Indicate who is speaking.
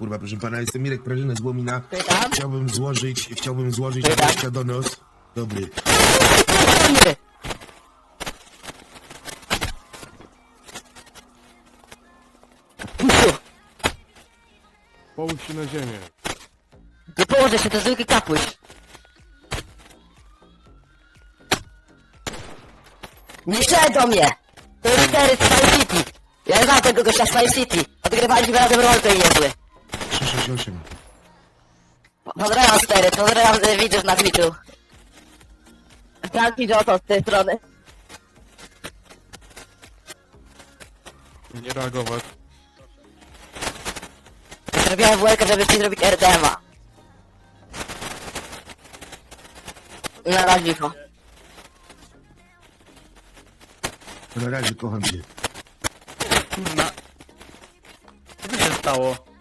Speaker 1: kurwa, proszę pana, jestem Mirek Prażyna z Łomina.
Speaker 2: Pytam?
Speaker 1: Chciałbym złożyć
Speaker 2: Pytam?
Speaker 1: na donos. Dobry.
Speaker 3: Połóż się na ziemię.
Speaker 2: Nie położę się, to zwykły kapuś. Nie strzelaj do mnie! To jest litery z Fire City. Ja znam tego gościa z Fire City. Odgrywaliśmy razem roleplay niezły.
Speaker 1: 368.
Speaker 2: Pozdrawiam stery, pozdrawiam widzów na Twitchu. Franki Johnson z tej strony.
Speaker 3: Nie reagować.
Speaker 2: Zrobiłem WLK, żeby ci zrobić RDMA. Na razie,
Speaker 1: Na razie kocham cię.
Speaker 4: Co się stało?